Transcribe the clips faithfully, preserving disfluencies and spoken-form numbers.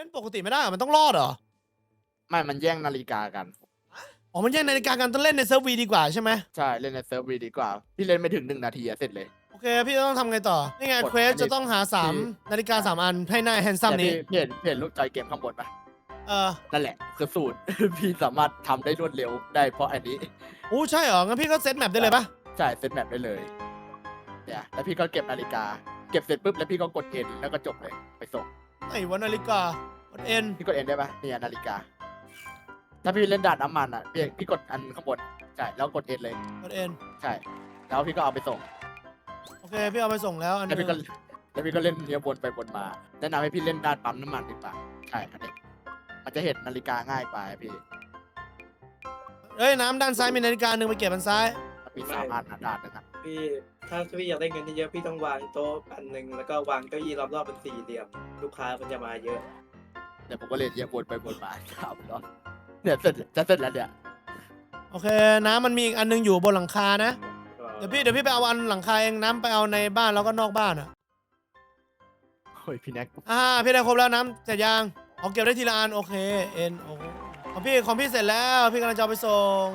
ล่นปกติไม่ได้มันต้องรอดเหรอไม่มันแย่งนาฬิกากันอ๋อมันแย่งนาฬิกากันต้องเล่นในเซิร์ฟวีดีกว่าใช่ไหมใช่เล่นในเซิร์ฟวีดีกว่าพี่เล่นไม่ถึงหนึ่งนาทีอะเสร็จเลยโอเคพี่ต้องทำไงต่อนี่ไงกดเควสอันนี้จะต้องหาสามนาฬิกาสามอันให้หน้าแฮนซัมแต่นี้พี่พี่เห็นพี่เห็นรูปจอยเกมข้างบนปะเออนั่นแหละคือสูตร พี่สามารถทำได้รวดเร็วได้เพราะอันนี้อู้ใช่เหรองั้นพี่ก็เซตแมปได้เลยปะใช่เซตแมปได้เลยเนี่ยแล้วพี่ก็เก็บนาฬิกาเก็บเสร็จปุ๊บแล้วพี่ก็กดเอ็นแล้วก็จบเลยไปส่งไหนวะนาฬิกากดเอ็นพี่กดเอ็นได้ปะเนี่ยนาฬิกาถ้าพี่เล่นด่านน้ำมันอ่ะพี่พี่กดอันข้างบนใช่แล้วกดเอ็นเลยกดเอ็นใช่แล้วพี่ก็เอาไปส่งโอเคพี่เอาไปส่งแล้วอันแล้วนึพี่งก็แล้วพี่ก็เล่นเนี้ยวนไปวนมาแนะนำให้พี่เล่นด้านปั๊มน้ำมันดีกว่าใช่อันนี้มันจะเห็นนาฬิกาง่ายไปพี่เอ้ยน้ำด้านซ้ายมีนาฬิกาหนึ่งไปเก็บอันซ้ายมันมีสามอันนะด้านนึงอะพี่ถ้าพี่อยากได้เงินเยอะๆพี่ต้องวางโต๊ะอันหนึ่งแล้วก็วางเก้าอี้รอบๆเป็นสี่เหลี่ยมลูกค้ามันจะมาเยอะเดี๋ยวผมก็เล่นเนี้ยวนไปวนมาครับเนาะเนี่ยเสร็จจะเสร็จแล้วเนี่ยโอเคน้ำมันมีอีกอันนึงอยู่บนหลังคานะเดี๋ยวพี่เดี๋ยวพี่ไปเอาอันหลังคาเองน้ำไปเอาในบ้านแล้วก็นอกบ้านอ่ะโอ้ยพี่แน็กอ่าพี่ได้ครบแล้วน้ำเสร็จยังเอาเก็บได้ทีละอันโอเคเอ็นโอของพี่ของพี่เสร็จแล้วพี่กำลังจะเอาไปส่ง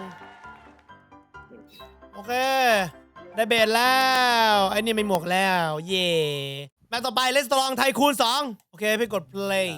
โอเคได้เบสแล้วไอ้นี่ไม่หมวกแล้วเย่แมตต่อไปเลสตรองไทยคูณสองโอเคพี่กด play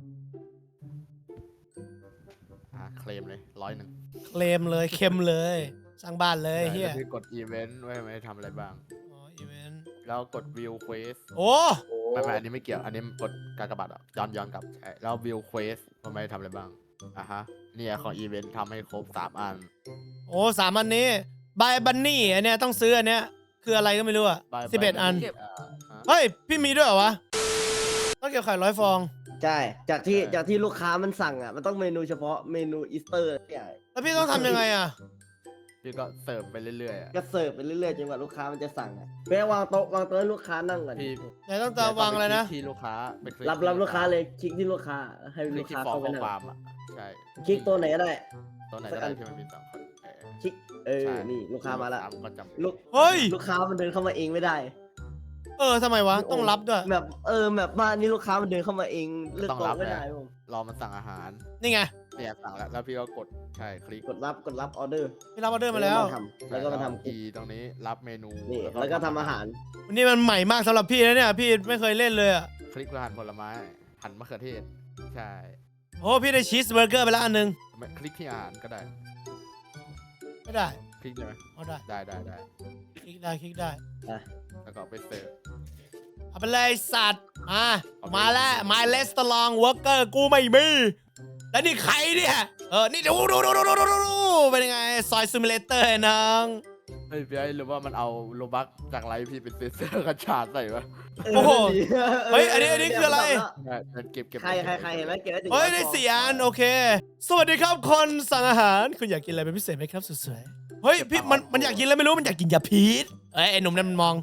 อ่าเคลมเลยร้อยหนึ่งเคลมเลยเข้มเลยสร้างบ้านเลยเฮียพี่กดอีเวนต์ไว้ไม่ทำอะไรบ้างอ๋ออีเวนต์แล้วกดวิวเควสโอ้โอ้ไม่ไม่อันนี้ไม่เกี่ยว อันนี้กดการกระบาดอ่ะย้อนย้อนกลับใช่แล้ววิวเควสทำไมทำอะไรบ้างอ่ะฮะเนี่ยของอีเวนต์ทำให้ครบสามอันโอ้สามอันนี้บายบันนี่อันเนี้ยต้องซื้ออันเนี้ยคืออะไรก็ไม่รู้อ่ะ By- สิบเอ็ด by อัน Bunny อ่าฮะเฮ้ยพี่มีด้วยเหรอวะต้องเก็บไข่ร้อยฟองใช่จากที่ใช่จากที่ลูกค้ามันสั่งอ่ะมันต้องเมนูเฉพาะเมนูอีสเตอร์เนี่ยแล้วพี่ต้องทำยังไงอ่ะพี่ก็เสิร์ฟไปเรื่อยๆอ่ะก็เสิร์ฟไปเรื่อยๆจนกว่าลูกค้ามันจะสั่งอ่ะไปวางโต๊ะวางโต๊ะให้ลูกค้านั่งก่อนพี่ไหนต้องตาวางอะไรนะที่ลูกค้าไปคลิกรับรับลูกค้าเลยคลิกที่ลูกค้าให้คลิลูกกที่ค้าฟอร์เข้าม ไปข้อนั่งความอ่ะใช่คลิกตัวไหนก็ได้ตัวไหนก็ได้ที่มันมีสองคนเออคลิกเออใช่นี่ลูกค้ามาละสก็จำลูกเฮ้ยลูกค้ามันเดินเข้ามาเองไม่ได้เออทำไมวะต้องรับด้วยแบบเออแบบบ้านนี้ลูกค้ามันเดินเข้ามาเองเลือกต้องโต๊ะรับไม่เลยได้ผมรอมันสั่งอาหารนี่ไงเนี่ยสั่งแล้วแล้วพี่ก็กดใช่คลิกกดรับกดรับออเดอร์พี่รับออเดอร์มาแล้วทำแล้วก็มาทำอีตรงนี้รับเมนูนี่แล้วก็ทำอาหารวันนี้มันใหม่มากสำหรับพี่นะเนี่ยพี่ไม่เคยเล่นเลยอ่ะคลิกเพื่อหั่นผลไม้หั่นมะเขือเทศใช่โอ้พี่ได้ชีสเบอร์เกอร์ไปแล้วอันนึงไม่คลิกที่อาหารก็ได้ไม่ได้คลิกได้ไหมเอาได้ได้ได้ได้คลิกได้คลิกได้แล้วก็เอาไปเสิร์ฟเอาไปเลยสัตว์มาเอาไปมาแล้วมาเลสตลองเวิร์กเกอร์กูไม่มีแล้วนี่ใครเนี่ยเออนี่ดูดูดูดูดูดูดูเป็นยังไงซอยซิมูเลเตอร์น้องเฮ้ยพี่ไอ้หรือว่ามันเอาโลบักจากไลฟ์พี่เป็นเซนเซอร์กระชากใส่วะโอ้โหเฮ้ยอันนี้อันนี้คืออะไรใช่มันเก็บเก็บใครใครใครเห็นไหมเก็บได้ถึงเฮ้ยร้อได้ฟองสี่อันโอเค สวัสดีครับคนสั่งอาหารคุณอยากกินอะไรเป็นพิเศษไหมครับสวยๆเฮ้ยพี่มันมันอยากกินแล้วไม่รู้มันอยากกินยาพิษเอ้ยไอ้หนุ่มนั่นมันมอง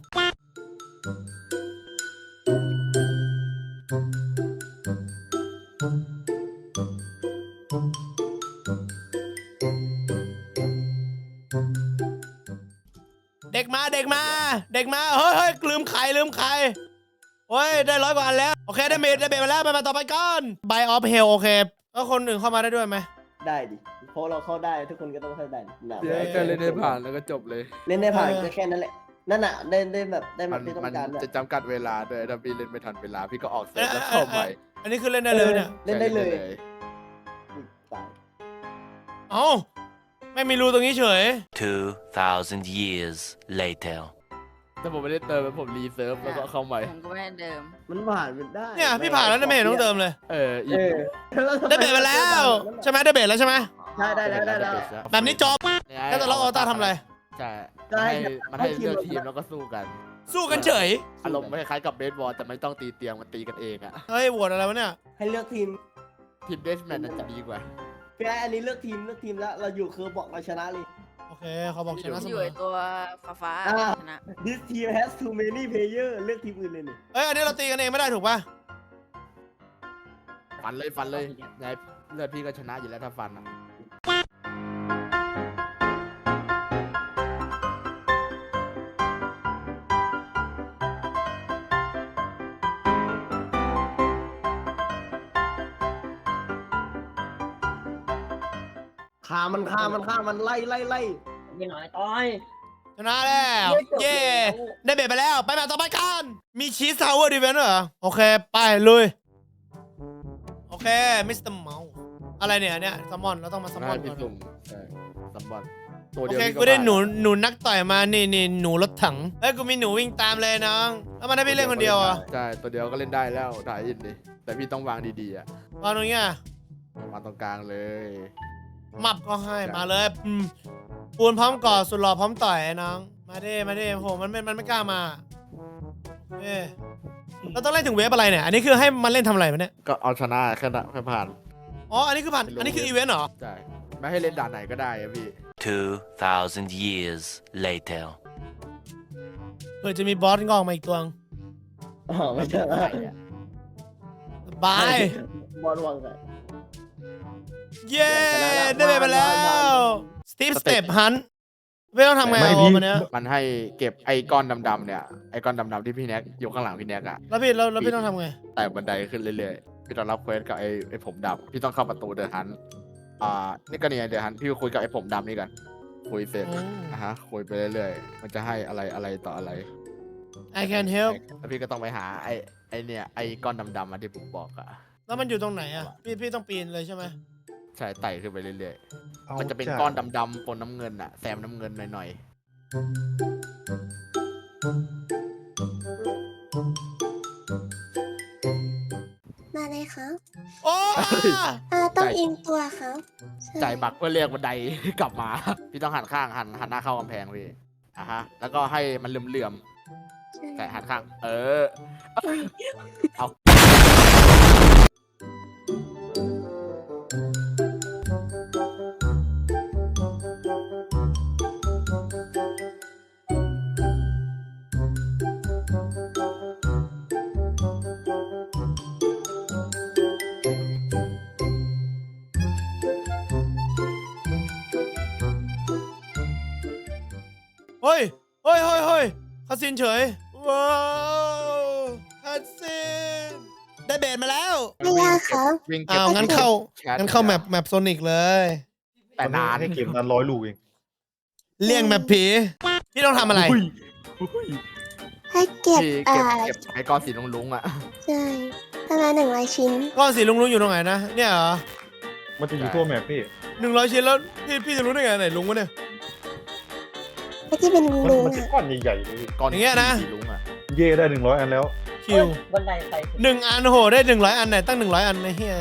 เด็กมาเด็กมาเด็กมาเฮ้ยเฮ้ยลืมไข่ลืมไข่โอ้ยได้ร้อยกว่าอันแล้วโอเคได้เมดได้เบดมาแล้วไปมาต่อไปก่อนไบออฟเฮลโอเคแล้วคนอื่นเข้ามาได้ด้วยไหมได้ดิเพราะเราเข้าได้ทุกคนก็ต้องเข้าได้นะพี่ไอ้ก็เล่นได้ผ่านแล้วก็จบเลยเล่นได้ผ่านเออก็แค่นั้นแหละนั่นน่ะได้ได้แบบได้แบมับนที่ต้อมันงการด้วยจะจำกัดเวลาด้วยถ้าพี่เล่นไม่ทันเวลาพี่ก็ออกเสร็จแล้วเข้าใหม่อันนี้คือเล่นได้เลยเนี่ยเล่นได้เลยใช่ตายเอ้าไม่มีรูตรงนี้เฉย Two thousand years later. ถ้าผมไม่ได้เติมแล้วผมรีเซิร์ฟแล้วก็เข้าใหม่ผมก็ไม่ได้เดิมมันผ่านมันได้เนี่ยพี่ผ่านแล้วนะไม่เห็นต้องเติมเลยเอออีเออได้เบรมาแล้วใช่ไหมได้เบรแล้วใช่ไหมใช่ได้แล้วได้แล้วแบบนี้จบ แล้วแต่เราเอาตาทำอะไรใช่ได้มันให้มันให้ให้ทีมเลือกทีมแล้วก็สู้กันสู้กันเฉยอารมณ์คล้ายๆกับเบสบอลแต่ไม่ต้องตีเตียงมันตีกันเองอะเฮ้ยโหวตอะไรวะเนี่ยให้เลือกทีมทีมเดสแมนน่าจะดีกว่าพี่ไอ้อันนี้เลือกทีมเลือกทีมแล้วเราอยู่คือบอกเราชนะเลยโอเคเขาบอกชนะเสอมยู่อไอตัวฟ้าฟ้าอ่าชนะ This team has too many player เลือกทีมอื่นเลยนี่เอ้ยอันนี้เราตีกันเองไม่ได้ถูกป่ะฟันเลยฟันเลยไงเลือดพี่ก็ชนะอยู่แล้วถ้าฟันอะฆ่ามันฆ่ามันฆ่ามันไล่ไล่ไล่ไม่หน่อยต้อยชนะแล้วเย่ได้เบ็ดไปแล้วไปแบบต่อไปกันมีชีสทาวเวอร์ดีเวนต์เหรอโอเคไปลุยโอเคมิสเตอร์เมาส์อะไรเนี่ยเนี่ยซัมมอนเราต้องมาซัมมให้อนพี่ก่อนสุ่มใช่ซัมบอนตัวโอเดียวเคนี่กูได้ผ่าหนูหนูนักต่อยมานี่นี่หนูรถถังเฮ้ยกูมีหนูวิ่งตามเลยน้องแล้วมันให้พี่เล่นคนเดียวอ่ะใช่ตัวเดียวก็เล่นได้แล้วถ่ายอินดิแต่พี่ต้องวางดีๆอ่ะตอนนี้อ่ะวางตรงกลางเลยมับก็ให้มาเลยอืมปูนพร้อมก่อสุดหล่อพร้อมต่อยไอ้น้องมาดิมาดิโหมันไม่มันไม่กล้ามาเอ้เราต้องเล่นถึงเวฟอะไรเนี่ยอันนี้คือให้มันเล่นทำอะไรมันเนี่ยก็เอาชนะแค่นั้นแค่ผ่านอ๋ออันนี้คือผ่านอันนี้คืออีเวนต์เหรอใช่ไม่ให้เล่นด่านไหนก็ได้อะพี่ Two thousand years later. เผื่อจะมีบอสงอกมาอีกตัวอ๋อไม่ใช่บายบอลวังกันเย้ได้ไปแล้วสตีฟสเต็ปฮันไม่ต้องทำไงโอ้มันเนี้ยมันให้เก็บไอ้ก้อนดำๆเนี่ยไอ้ก้อนดำๆที่พี่แน็กอยู่ข้างหลังพี่แน็กอะแล้วพี่แล้วแล้วพี่ต้องทำไงไต่บันไดขึ้นเรื่อยๆพี่ต้องรับเควสกับไอ้ไอ้ผมดำพี่ต้องเข้าประตูเดอะฮันอ่านี่ก็เนี่ยเดอะฮันพี่คุยกับไอ้ผมดำนี่กันคุยเสร็จอืมนะฮะคุยไปเรื่อยๆมันจะให้อะไรอะไรต่ออะไร I can help แล้วพี่ก็ต้องไปหาไอ้ไอ้เนี่ยไอ้ก้อนดำๆมาที่ผมบอกอะแล้วมันอยู่ตรงไหนอ่ะพี่พี่ต้องปีนเลยใช่ไหมใช่ไต่ขึ้นไปเรื่อยๆมันจะเป็นก้อนดำๆปนน้ำเงินอะแซมน้ำเงินหน่อยมาเลยครับโอ้อ่าต้องอินตัวครับใช่ๆจ่ายบักเพื่อเรียกบันได กลับมา พี่ต้องหันข้างหันหันหน้าเข้ากำแพงพี่อ่ะฮะแล้วก็ให้มันเหลื่อมๆใช่แต่หันข้าง เออ เอาเฮ้ยเฮ้ยเฮ้ยเฮ้ยคาสินเฉยว้าวคาสินได้เบสมาแล้วไม่ยากครับวิ่งเก็บอ้าวงั้นเข้าแชทงั้นเข้าแมปแมปโซนิกเลยแต่นานให้เกมนั้นร้อยลูกเองเลี่ยงแมปผีพี่ต้องทำอะไรอุ้ยให้เก็บพี่อ่าเก็บเก็บไอ้ก้อนสีลุงๆอ่ะใช่ประมาณหนึ่งร้อยชิ้นก้อนสีลุงลุงอยู่ตรงไหนนะเนี่ยเหรอมันจะอยู่ทั่วแมปพี่หนึ่งร้อยชิ้นแล้วพี่พี่จะรู้ได้ไงไหนลุงวะเนี่ยไอ้ที่เป็นมันลุงมันจะอ่ะก้อนใหญ่ๆเลยพี่ก้อนอย่างเงี้ยนะสีลุงอ่ะเย่ได้หนึ่งร้อยอันแล้วคิวบันไดใครหนึ่งอันโหได้หนึ่งร้อยอันไหนตั้งหนึ่งร้อยอันในเฮีย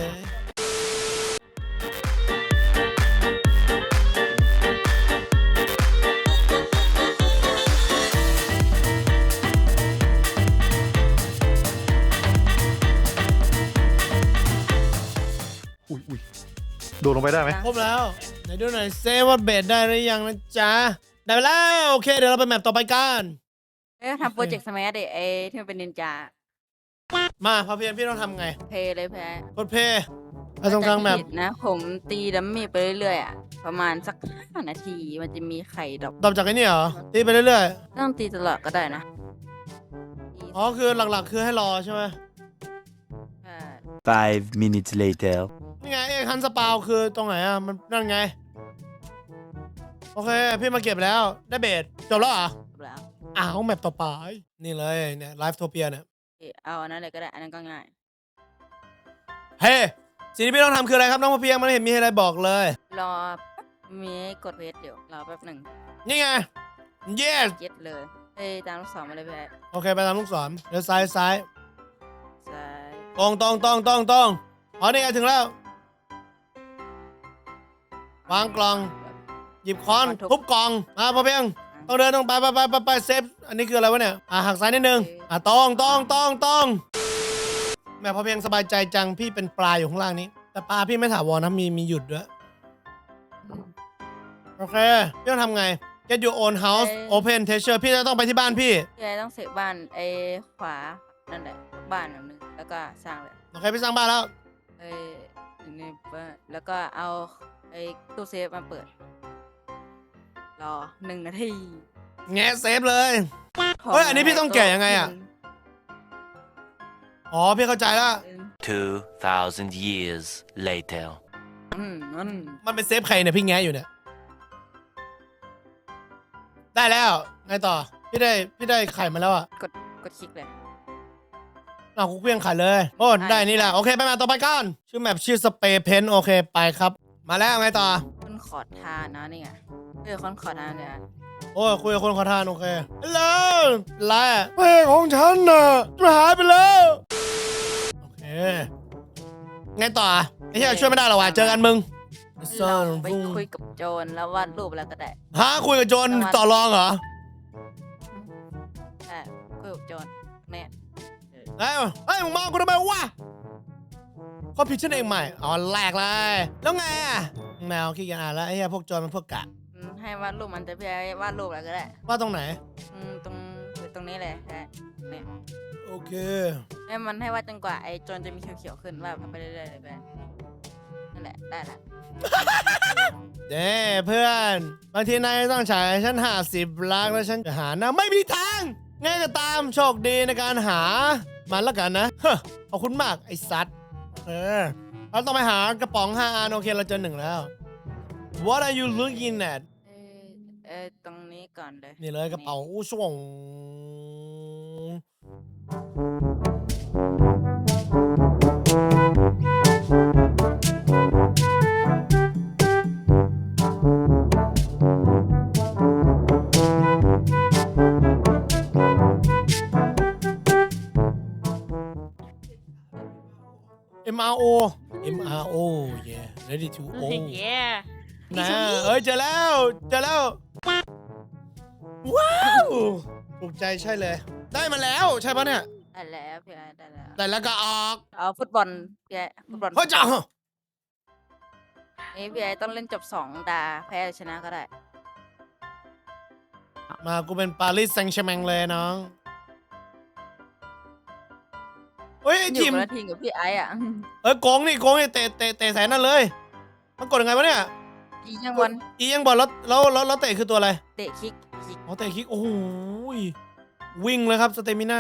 อุ้ยอุ้ยโดดลงไปได้ไหมครบแล้วไหนดูหน่อยเซว่าเบสได้หรือยังนะจ๊ะได้ไปแล้วโอเคเดี๋ยวเราไปแมปต่อไปกันเอ้ยทำโปรเจกต์สมัยเด็กไอ้ที่มันเป็นนินจามาพอเพียนพี่ต้องทำไงเพลย์เลยแพ้กดเพย์ไปตรงกลางแมปผิดนะ ผมตีดัมมี่ไปเรื่อยๆอ่ะ ประมาณสักห้านาที มันจะมีไข่ดอกตอบจากไอ้นี่เหรอตีไปเรื่อยต้องตีตลอดก็ได้นะๆอ๋อคือหลักๆคือให้รอใช่ไหมใช่ Five minutes later. นี่ไงเอ็กฮันสปาวคือตรงไหนอ่ะมันนั่นไงโอเคพี่มาเก็บแล้วได้เบสจบแล้วเหรอจบแล้วอ้าวแมปต่อไปนี่เลยเนี่ยไลฟ์โทเปียเนี่ยเอาอันนั้นเลยก็ได้ อันนั้นก็ง่ายเฮ้สิ่งที่พี่ต้องทำคืออะไรครับน้องพอเพียงมันไม่เห็นมีอะไรบอกเลยรอแป๊บมีให้กดเพจเดี๋ยวรอแป๊บหนึ่งนี่ไง yes เย็ดเลยไปตามลูกศรมาเลยแพ้โอเคไปตามลูกศรเดี๋ยวซ้ายซ้ายซ้ายตรงตรงตรงตรงตรงอ๋อนี่ไงถึงแล้ว วางกล่อง หยิบค้อนทุบกล่องมาพอเพียงต้องเดินต้องไปไปไปไปไปเซฟอันนี้คืออะไรวะเนี่ยอ่ะหักซ้ายนิดนึงอ่ะตรงตรงตรงตรงแม่พอเพียงสบายใจจังพี่เป็นปลาอยู่ข้างล่างนี้ แต่ปลาพี่ไม่ถาวรนะมีมีหยุดด้วยโอเคพี่ต้องทำไง get your own house open treasure พี่จะต้องไปที่บ้านพี่พี่ไอ้ต้องเสกบ้านไอ้ขวา นั่นแหละ บ้านหลังนึง แล้วก็สร้างเลยโอเคพี่สร้างบ้านแล้วไอ้นี่บ้านแล้วก็เอาไอ้ตู้เซฟมาเปิด รอหนึ่งนาทีแงะเซฟเลย เฮ้ยอันนี้พี่ต้องแกะยังไงอะ อ๋อพี่เข้าใจแล้ว Two thousand years later. อืมนั่นมันเป็นเซฟใครเนี่ยพี่แง้อยู่เนี่ย ได้แล้วไงต่อ พี่ได้พี่ได้ไข่มาแล้วอ่ะกดกดคลิกเลยเอาคุกเพียงไข่เลย โอ้ได้นี่แหละโอเคไปมาต่อไปกันชื่อแมปชื่อสเปรย์เพนโอเคไปครับ มาแล้วไงต่อคนขอทานนะนี่ไงเออคนขอทานเนี่ยโอ้ยคุยกับคนขอทานโอเคฮัลโหลไรอะเพลงของฉันน่ะมันหายไปแล้วโอเคไงต่อไอ้เหี้ยช่วยไม่ได้หรอวะเจอกันมึงเราไปคุยกับโจรแล้ววาดรูปแล้วก็ได้ฮะคุยกับโจรต่อรองเหรอใช่คุยกับโจรเนี่ยเอ้ยเฮ้ยมึงมองกูทำไมวะความผิดฉันเองใหม่อ๋อแหลกเลยแล้วไงอะแมวขี้เกียจอ่านแล้วไอ้เหี้ยพวกโจรมันพวกกะอืมให้วาดรูปมันจะพี่ไอ้วาดรูปแล้วก็ได้ว่าตรงไหนอืมตรงตรงนี้เลยใช่เนี่ยโอเคให้มันให้วาดจนกว่าไอ้โจรจะมีเขียวๆขึ้นวาดไปเรื่อยๆเลยไปนั่นแหละได้ละเด้เพื่อนบางทีนายต้องจ่ายฉันห้าสิบล้านแล้วฉันจะหานะไม่มีทางไงก็ตามโชคดีในการหามันแล้วกันนะเฮ้อขอบคุณมากไอ้สัตว์เออเราต้องไปหากระป๋องห้าอันโอเคเราเจอหนึ่งแล้ว What are you looking at เออเออตรงนี้ก่อนเลยนี่เลยกระเป๋าอู้ช่วง M R O M R O yeah ready to O เย้นะเอ้ยเจอแล้วเจอแล้วว้าวถูกใจใช่เลย ได้มาแล้วใช่ปะเนี่ยได้แล้วพี่ไอ้ได้แล้วแต่แล้วก็ออกเอาฟุตบอลพี่ไอ้ฟุตบอลเฮ้ยจ้านี่พี่ไอ้ต้องเล่นจบสองดาแพ้หรือชนะก็ได้มากูเป็นปารีสแซงต์แชร์แมงเลยน้องเฮ้ยไอ้อยู่ทีมคนละทีมกับพี่ไอ้อะเอ้ยโกงนี่โกงนี่เตะเตะเตะแสนนั่นเลย มันกดยังไงวะเนี่ยอีกยังวันอียังบอลแล้วแล้วแล้วแล้วเตะคือตัวอะไรเตะคิกคิกอ๋อเตะคิกโอ้โหยวิ่งเลยครับสเตมิน่า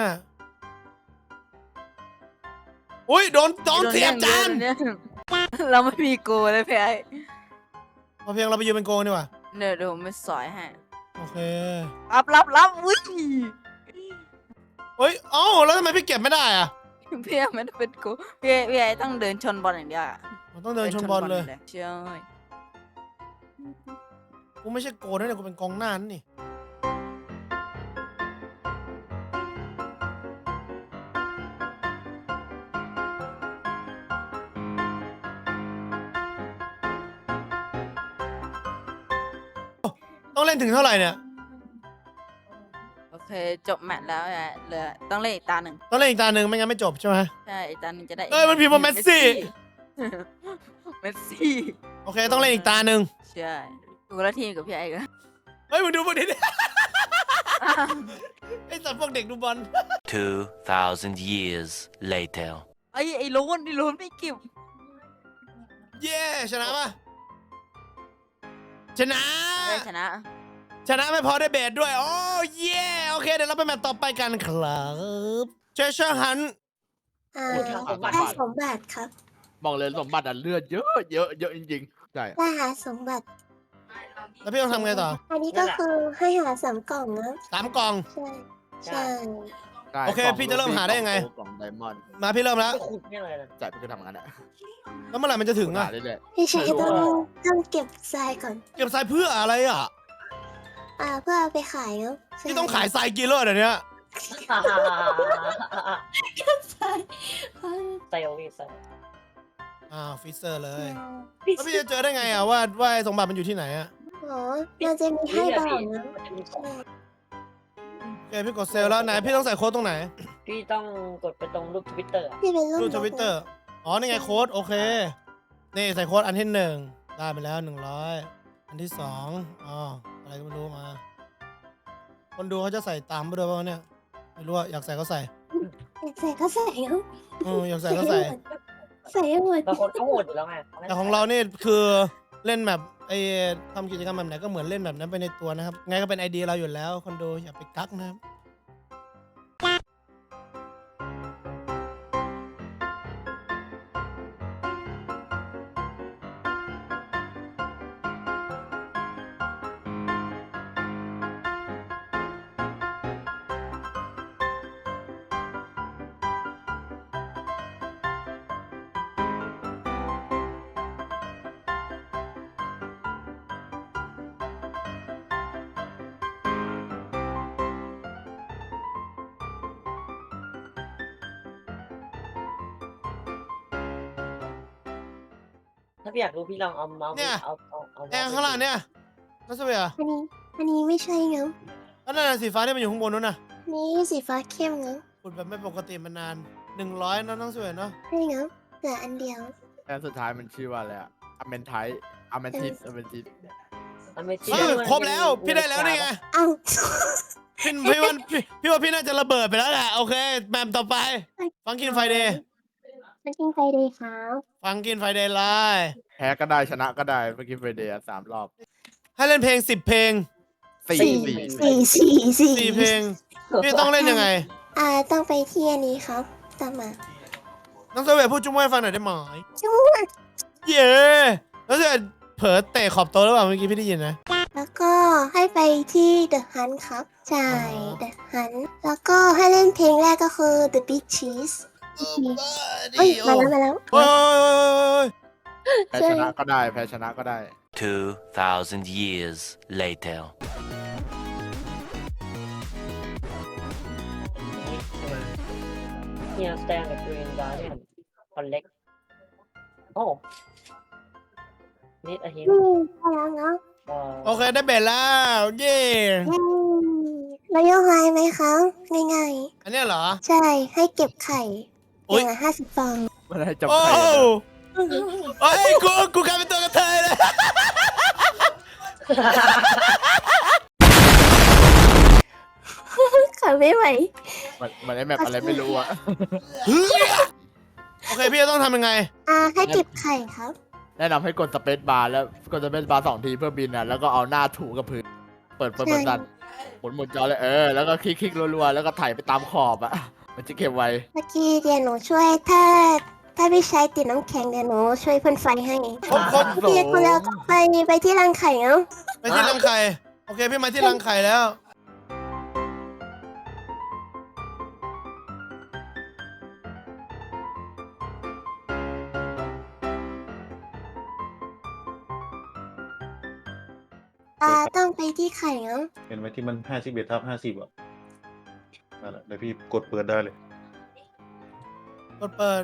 อุ้ยโดนโดนเสียบจานเนี่ยเราไม่มีโกเลยพี่ไอ้พอเพียงเราไปยืนเป็นโกงดีกว่าเดี๋ยวเดี๋ยวผมไปสอยให้โอเครับรับรับอุ้ยเฮ้ยเอ้าแล้วทำไมพี่เก็บไม่ได้อะพี่ไอ้ไม่ได้เป็นโกพี่ไอ้พี่ไอ้ต้องเดินชนบอลอย่างเดียวอะผมต้องเดินชนบอลเลยใช่กูไม่ใช่โกนะเนี่ยกูเป็นกองหน้านั่นนี่ต้องเล่นถึงเท่าไหร่เนี่ยโอเคจบแมตช์แล้วอะเหลือต้องเล่นอีกตาหนึ่งต้องเล่นอีกตาหนึ่งไม่งั้นไม่จบใช่ไหมใช่อีกตาหนึ่งจะได้เอ้ยมันพิมพ์ว่าเมสซี่เมสซี่โอเคต้องเล่นอีกตาหนึ่งใช่กูละทีมกับพี่ไอ้กันเฮ้ยมึงดูพวกนี้ดิ ไอ้สัตว์พวกเด็กดูบอล Two thousand years later. ไอ้ไอ้โลนไอ้โลนไม่เก็บเย้ชนะปะชนะได้ชนะชนะไม่พอได้เบสด้วย โอ้เย่โอเค เดี๋ยวเราไปแมตช์ต่อไปกันครับเชเชอร์ฮันอ่าพูดทางสมบัติได้สมบัติครับบอกเลยสมบัติอ่ะเลือดเยอะเยอะเยอะจริงๆใช่ได้หาสมบัติแล้วพี่ต้องทำไงต่ออันนี้ก็คือให้หาสามกล่องนะสามกล่องใช่ ใช่ใช่โอเคกล่งพี่จะเริ่มหาได้ยังไงกล่องไดมอนด์มาพี่เริ่มแล้วใช่พี่ก็ทำงานอ่ะแล้วเมื่อไหร่มันจะถึงหาอ่ะเรื่อยพี่ชัยต้องต้องเก็บทรายก่อนเก็บทรายเพื่ออะไรอ่ะอ่า เพื่อเอาไปขายเนาะใช่พี่ต้องขายทรายกินเลยเดี๋ยวนี้ทรายเซลล์พี่เซลล์อ้าวฟิเซอร์เลยแล้วพี่จะเจอได้ไงอ่ะว่าว่าไอ้สมบัติมันอยู่ที่ไหนอ่ะอ๋อมันจะมีให้บอกนะมันจะมีของใช่โอเคพี่กดเซลล์แล้วไหนพี่ต้องใส่โค้ดตรงไหนพี่ต้องกดไปตรงรูปทวิตเตอร์ที่เป็นรูปรูปนทกวิตเตอร์อ๋อนี่ไงโค้ดโอเคนี่ใส่โค้ดอันที่หนึ่งได้ไปแล้วหนึ่งร้อยอันที่สองอ๋ออะไรก็ไม่รู้มา คนดูเขาจะใส่ตามไปด้วยป่ะวะเนี่ยไม่รู้อะอยากใส่ก็ใส่อยากใส่ก็ใส่เนาะเอออยากใส่ก็ใส่ใส่ให้หมดบางคนก็โหดอยู่แล้วไงแต่ของเรานี่คือเล่นแบบไอ้ทำกิจกรรมแบบไหนก็เหมือนเล่นแบบนั้นไปในตัวนะครับ ไงก็เป็นไอเดียเราอยู่แล้ว คนดูอย่าไปกักนะครับถ้าพี่อยากรู้พี่ลองเอาเมาส์เนี่ยเอาเอาเอาแอร์ข้างล่างเนี่ยนั่นสเปียร์อันนี้อันนี้ไม่ใช่เงาแล้วนั่นนะสีฟ้าที่มันอยู่ข้างบนนู้นน่ะอันนี้สีฟ้าเข้มเงาขุดแบบไม่ปกติมานานหนึ่งร้อยนะน้องสเปียร์เนาะใช่เงาเหลืออันเดียวแอนสุดท้ายมันชื่อว่าอะไรอะอเมนไทอเมนทิสอเมนทิสมันไม่เออครบแล้วพี่ได้แล้วนี่ไงเอ้าพี่พี่ว่าพี่พี่ว่าพี่น่าจะระเบิดไปแล้วแหละโอเคแมมต่อไปฟังกินไฟเดย์มันกินไฟเดย์ครับฟังกินไฟเดย์ไลน์แพ้ก็ได้ชนะก็ได้เมื่อกี้เฟรเดียสามรอบให้เล่นเพลงสิบเพลงสี่สี่สี่สี่สี่สี่เพลงพี่ต้องเล่นยังไงอ่าต้องไปที่อันนี้ครับตามมาน้องสเปียร์พูดจุ้มให้ฟังหน่อยได้ไหมจุ๊บเย้น้องสเปียร์เผลอเตะขอบโต๊ะหรือเปล่าเมื่อกี้พี่ได้ยินนะแล้วก็ให้ไปที่ The Hunt ครับใช่ The Hunt แล้วก็ให้เล่นเพลงแรกก็คือ The Big Cheese เอ้ยมาแล้วมาแล้วโอ้ยแพ้ชนะก็ได้แพ้ชนะก็ได้ Two thousand years later. เฮียสแตนกับกรีนการ์เดนคอนเล็กโอ้นี่อะฮิมอืมมาแล้วเนาะโอเคได้เบ็ดแล้วเย้อืมแล้วโยกไฮไหมครับง่ายอันเนี้ยเหรอๆ ใช่ให้เก็บไข่อุ๊อย ย่างละห้าสิบฟองมันให้จบโอ้ใครโอ้ยกูกูกลายเป็นตัวกระเทยเลยขับไม่ไหวมันมันไอแมปอะไรไม่รู้อะโอเคพี่จะต้องทำยังไงอ่าให้เก็บไข่ครับแนะนำให้กดสเปซบาร์แล้วกดสเปซบาร์สองทีเพื่อบินอ่ะแล้วก็เอาหน้าถูกับพื้นเปิดเปิดเปิดดันหมุนหมุนจอเลยเออแล้วก็คลิกคลิกรัวๆแล้วก็ถ่ายไปตามขอบอ่ะมันจะเก็บไว้เมื่อกี้เดี๋ยวหนูช่วยถ้า ถ้าพี่ใช้ติดน้ำแข็งเดี๋ยวหนูช่วยพ่นไฟให้ครบครบพี่คนแล้วก็ไปไปที่รังไข่เนาะไปที่รังไข่ โอเคพี่มาที่รังไข่แล้วอ่าต้องไปที่ไข่เนาะเห็นไหมที่มันห้าสิบเอ็ดทับห้าสิบอ่ะนั่นแหละเดี๋ยวพี่กดเปิดได้เลยกดเปิด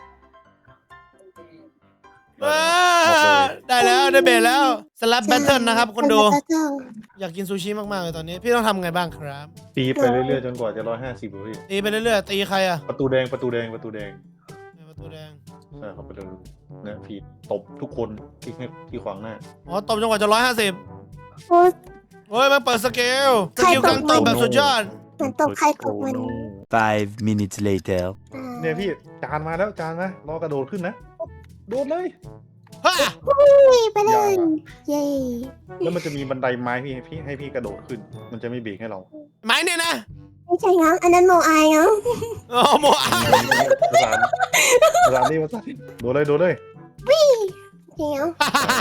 ว้าได้แล้วได้เบรแล้วสลับแบทเทิลนะครับคนดูแล้วก็อยากกินซูชิมากๆเลยตอนนี้ พี่ต้องทำไงบ้างครับตีไปเรื่อยๆจนกว่าจะร้อยห้าสิบพี่ตีไปเรื่อยๆตีใครอะประตูแดงประตูแดงประตูแดงประตูแดงใช่ครับประตูเนี่ยพี่ตบทุกคนที่ให้ที่ขวางหน้าอ๋อตบจนกว่าจะร้อยห้าสิบโอ้เฮ้ยมันเปิดสเกลสกิลการตบแบบสุดยอดเหมือนตบไข่ตบมัน Five minutes later. อ่าเนี่ยพี่จานมาแล้วจานนะรอกระโดดขึ้นนะโดดเลยฮ่านี่ไปเลย เย้แล้วมันจะมีบันไดไม้พี่ให้พี่ให้พี่กระโดดขึ้น มันจะไม่เบรกให้เราไม้เนี่ยนะไม่ใช่เนาะอันนั้นโมอายเนาะโอ้โมอาภาษาภาษานี่ภาษานี่โดดเลยโดดเลยจริงเนาะ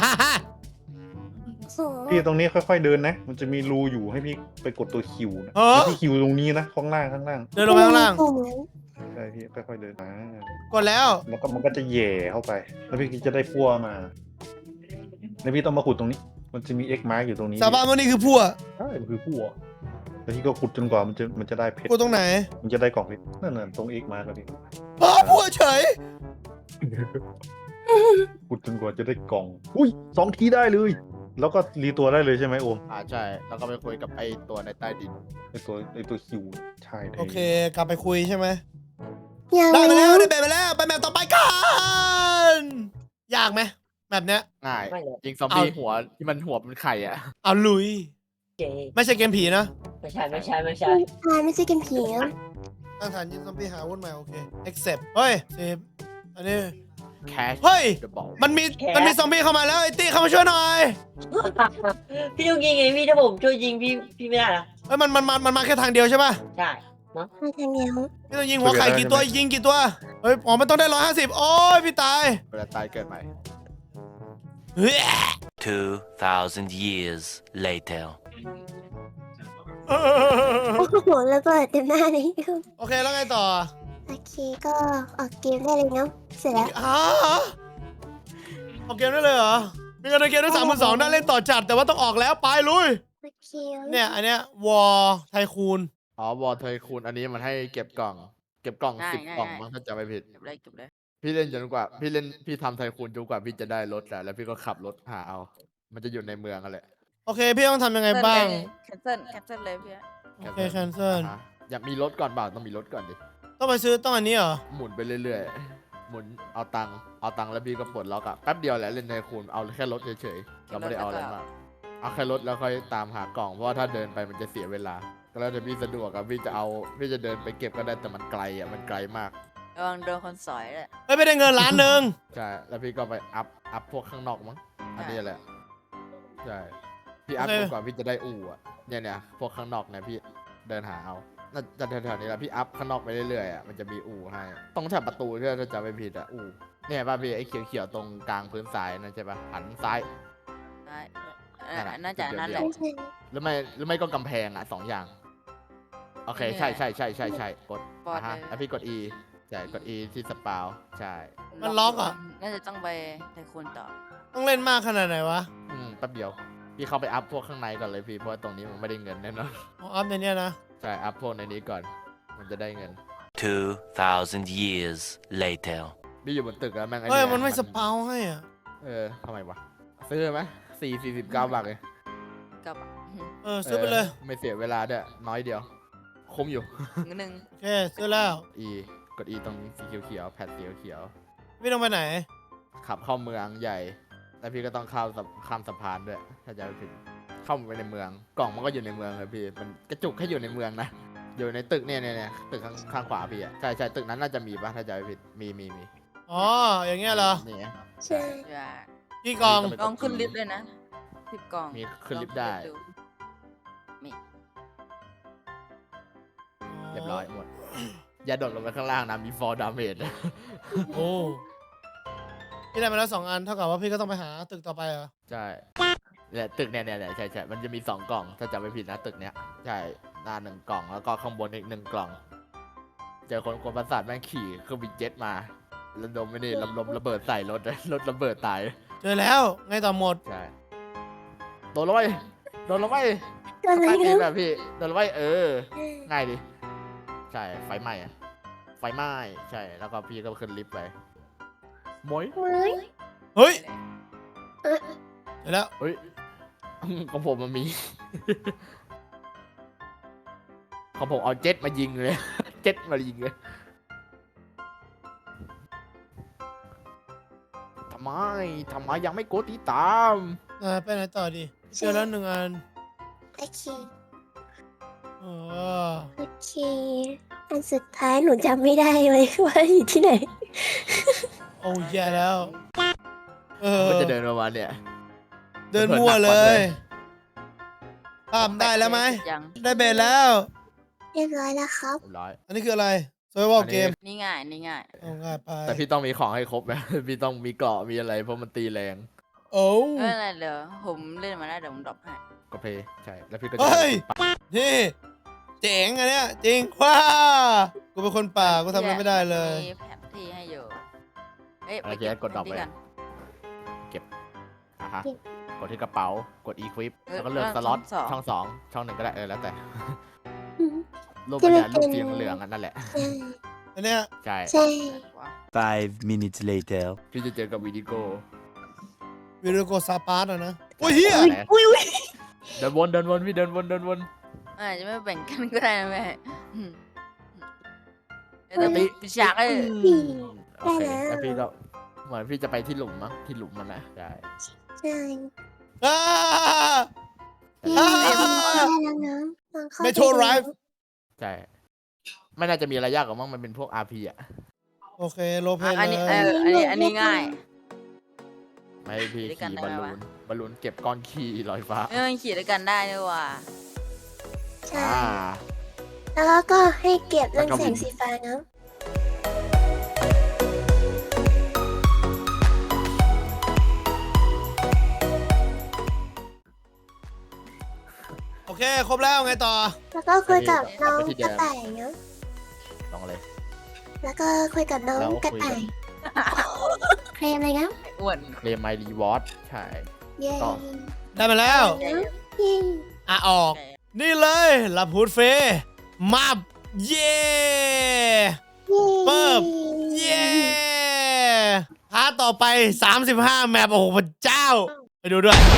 โอ้พี่ตรงนี้ค่อยๆเดินนะ มันจะมีรูอยู่ให้พี่ไปกดตัวคิวนะเออที่คิวตรงนี้นะข้างล่างข้างล่างเดินลงไปข้างล่างปุ่มนั้นใช่พี่ค่อยๆเดินมากดแล้วแล้วก็มันก็จะแหย่เข้าไป แล้วพี่จะได้พั่วมาแล้วพี่ต้องมาขุดตรงนี้ มันจะมี X mark อยู่ตรงนี้สาบานว่านี่คือพั่วใช่มันคือพั่วแล้วพี่ก็ขุดจนกว่ามันจะมันจะได้เพชรพั่วตรงไหนมันจะได้กล่องเพชรนั่นน่ะตรง X mark แล้วพี่อ๋อพั่วเฉยขุดจนกว่าจะได้กล่อง อุ้ยสองทีได้เลย แล้วก็รีตัวได้เลยใช่ไหมโอมอ่าใช่แล้วก็ไปคุยกับไอตัวในใต้ดินไอตัวไอตัวคิวใช่ลยโอเคกลับไปคุยใช่ไหมยังได้ไปไม่แล้วรู้ได้เบรไปแล้วไปแมปต่อไปกันยากไหมแบบเนี้ยง่ายไม่เลยยิงซอมบี้เอาหัวที่มันหัวเป็นไข่อ่ะเอาลุยเจไม่ใช่เกมผีนะไม่ใช่ไม่ใช่ไม่ใช่อ่าไม่ใช่กินผีเนาะตั้งฐานยิงซอมบี้หาวุ่นใหม่โอเค accept เฮ้ยเซฟอันนี้แคชเฮ้ยเดอะบอลมันมีมันมีซอมบี้เข้ามาแล้วไอ้ตี้เข้ามาช่วยหน่อยพี่ต้องยิงไงพี่ถ้าผมช่วยยิงพี่พี่ไม่ได้นะเฮ้ยมันมันมันมันมาแค่ทางเดียวใช่ป่ะใช่มาทางเดียวพี่ต้องยิงหัวไข่กี่ตัวยิงกี่ตัวเฮ้ยอ๋อมันต้องได้ร้อยห้าสิบโอ้ยพี่ตายเวลาตายเกิดใหม่เฮ้ย Two thousand years later. โอ้โหระเบิดเต็มหน้าเลยโอเคแล้วไงต่อโอเคก็ออกเกมได้เลยเนาะเสร็จแล้วฮะออกเกมได้เลยเหรอมีเงินในเกมได้สามหมื่นสองได้เล่นต่อจัดแต่ว่าต้องออกแล้วไปลุยโอเคเนี่ยอันเนี้ยวอไทคูนอ๋อวอลเทยคูณอันนี้มันให้เก็บกล่อง เก็บกล่องง่ายสิบง่ายกล่องง่ายมั้งถ้าจำไม่ผิดเก็บเลยเก็บเลยพี่เล่นจนกว่า พี่เล่นพี่ทำไทคูนจนกว่าพี่จะได้รถอะแล้วพี่ก็ขับรถหาเอา มันจะอยู่ในเมืองกันแหละโอเค พี่ต้องทำยังไงบ้างแคนเซิลแคนเซิลเลยพี่อะโอเค cancel อ่าฮะอยากมีรถก่อนเปล่าต้องมีรถก่อนดิต้องไปซื้อต้องอันนี้เหรอหมุนไปเรื่อยๆ หมุนเอาตังค์เอาตังค์แล้วพี่ก็ปลดล็อกอะแป๊บเดียวแหละเล่นไทคูนเอาแค่รถเฉยๆเราไม่ได้เอาอะไรมากเอาแค่รถแล้วค่อยตามหากล่องเพราะว่าถ้าเดินไปมันจะเสียเวลา ก็แล้วแต่พี่สะดวกอะพี่จะเอาพี่จะเดินไปเก็บก็ได้แต่มันไกลอะมันไกลมากระวังโดนคนสอยเลยเฮ้ยไม่ได้เงินล้านหนึ่งใช่แล้วพี่ก็ไปอัพอัพพวกข้างนอกมั้งอันนี้แหละใช่พี่อัพโอเคจนกว่าพี่จะได้อู่อะเนี่ยเนี่ยพวกข้างนอกเนี่ยพี่เดินหาเอาน่าจะแถวๆนี้แหละพี่อัพข้างนอกไปเรื่อยๆอะมันจะมีอู่ให้ตรงแถบประตูที่เราจะไม่ผิดอะอู่เนี่ยป่ะพี่ไอ้เขียวๆตรงกลางพื้นทรายนั่นใช่ป่ะหันซ้ายได้เออนั่นน่ะน่าจะนั่นแหละไม่ใช่หรือไม่หรือไม่ก็กำแพงอะสองอย่างโอเคนี่ไงใช่ใช่ใช่ใช่ใช่กดปลอดอ่ะฮะเลยแล้วพี่กด E ใช่กด E ที่สปาวใช่มันล็อกอ่ะน่าจะต้องไปไทคูนต่อต้องเล่นมากขนาดไหนวะอืมแป๊บเดียวพี่เข้าไปอัพพวกข้างในก่อนเลยพี่เพราะว่าตรงนี้มันไม่ได้เงินแน่นอนเอาอัพในเนี้ยนะใช่ อัพพวกในนี้ก่อน มันจะได้เงิน Two thousand years later. พี่อยู่บนตึกแล้วแม่งอ้เฮ้ยยมันไม่สปาวให้อ่ะเออทำไมวะ ซื้อไหมสี่สี่สิบเก้าบาทเลยกับอืมเออซื้อไปเลยไม่เสียเวลาด้วยน้อยเดียว คุ้มอยู่เงินหนึ่งโอเคซื้อแล้ว E กด E ตรงสีเขียวๆแพดสีเขียวพี่ต้องไปไหนๆขับเข้าเมืองใหญ่ แล้วพี่ก็ต้องข้ามสะข้ามสะพานด้วย ถ้าจะไม่ผิดเข้าไปในเมือง กล่องมันก็อยู่ในเมืองเลยพี่ มันกระจุกแค่อยู่ในเมืองนะ อยู่ในตึกเนี่ยเนี่ยเนี่ยตึกข้างข้างขวาพี่อะใช่ใช่ตึกนั้นน่าจะมีปะถ้าจะไม่ผิด มีมีมีอ๋อ อย่างเงี้ยเหรอนี่ไงใช่อย่ากี่กองมีกองขึ้นลิฟต์เลยนะสิบกล่องมีขึ้นลิฟต์ได้ลองขึ้นลิฟต์เรียบร้อยหมด อย่าโดดลงไปข้างล่างนะ มีฟอร์ดาเมจโอ้พี่ได้มาแล้วสองอัน เท่ากับว่าพี่ก็ต้องไปหาตึกต่อไปเหรอใช่เนี่ยตึกเนี่ยเนี่ยเนี่ยใช่ใช่มันจะมีสองกล่อง ถ้าจำไม่ผิดนะตึกเนี้ย ใช่ หน้าหนึ่งกล่อง แล้วก็ข้างบนอีกหนึ่งกล่อง เจอคนคนประสาทแม่งขี่เครื่องบินเจ็ตมาระดมไม่นี่ลำลมระเบิดใส่รถ รถระเบิดตายเจอแล้ว ไงต่อหมดใช่ โดนลงไปโดนลงไปอะไรใต้ตีนนะแบบพี่ โดนลงไปเออ ง่ายดิ ใช่ ไฟไหม้อะไฟไหม้ ใช่ แล้วก็พี่ก็ขึ้นลิฟต์ไปหมวยเฮ้ยเฮ้ยเออเจอแล้วเฮ้ย ของผมมันมี ของผมเอาเจ็ตมายิงเลย เจ็ตมายิงเลยทำไมทำไมยังไม่กดติดตามอ่าไปไหนต่อดี เจอแล้วหนึ่งอันโอเคเออโอเค อันสุดท้ายหนูจำไม่ได้เลยว่าอยู่ที่ไหนโอ้แย่แล้ว เออมันจะเดินประมาณเนี่ยเดินมั่วเลยข้ามได้แล้วไหมยังได้เบสแล้วเรียบร้อยแล้วครับเรียบร้อยอันนี้คืออะไร survival อันนี้เกมนี่ง่ายนี่ง่ายเอาง่ายไปแต่พี่ต้องมีของให้ครบนะ พี่ต้องมีเกราะมีอะไรเพราะมันตีแรงโอ้เอออะไรเดี๋ยวผมเล่นมาได้เดี๋ยวผมดรอปให้ก็เพย์ใช่ แล้วพี่ก็จะเฮ้ย นี่ เจ๋งอันเนี้ยจริงว้ากูเป็นคนป่ากูทำอะไรไม่ได้เลยมีแผนที่ให้อยู่เอ้ยอะไรไปเจ๊กดดรอปแผไปนที่กันอ่ะฮะ กดที่กระเป๋า กด equip เออแล้วก็เลือกแล้วสล็อตช่ช่ออง งสสออง งช่องหนึ่งก็ได้ เออ แล้วแต่อืมรูปที่มันมันเนี่ยรูปเป็นสีเหลืองๆอันนั่นแหละใช่อันเนี้ยใช่ใช่ว้าว Five minutes later. พี่จะเจอกับวิดีโกวิดีโอซาปาร์ตอะนะโอ้ยเฮียไหนอุ้ยอุ้ยเดินวนเดินวนพี่เดินวนเดินวนอาจจะไม่แบ่งกันก็ได้นะแม่อืมเดี๋ยวปิดปิดฉากเลยโอเคแล้วพี่ก็เหมือนพี่จะไปที่หลุมมั้งที่หลุมมันนะใช่ใช่อ้าเย้อ่าได้แล้วนะลองเข้าไป Metro ดู Drive ใช่ไม่น่าจะมีอะไรยากหรอกมั้งมันเป็นพวก อาร์ พี อ่ะโอเคโลเพอ่ะนอันนี้เลเอย ออันนี้อันนี้ง่ายไม่ให้พี่ด้วยกันขี่ได้บอลไหมลูวะนบอลลูนเก็บก้อนขี้ลอยฟ้าเออขี่ด้วยกันได้ด้วยว่ะใช่อ่าแล้วก็ให้เก็บแล้เรื่อวงก็แสบิงนสีฟ้านะโอเค ครบแล้วไงต่อแล้วก็คุยกับน้องไปที่เดิกมระต่ายเนาะต้องเลยแล้วก็คุยกับน้องแล้วกระคุยต่าย เคลมอะไรนะอ้วนเคลมไมรีวอร์ดใช่เย้ต่อได้มาแล้วเนาะเย้อ่ะออก นี่เลยลับฮูดเฟย์มับเย่เย้เปิบ เย่ต่อไปสามสิบห้าแมปโอ้โหพระเจ้า ไปดูด้วย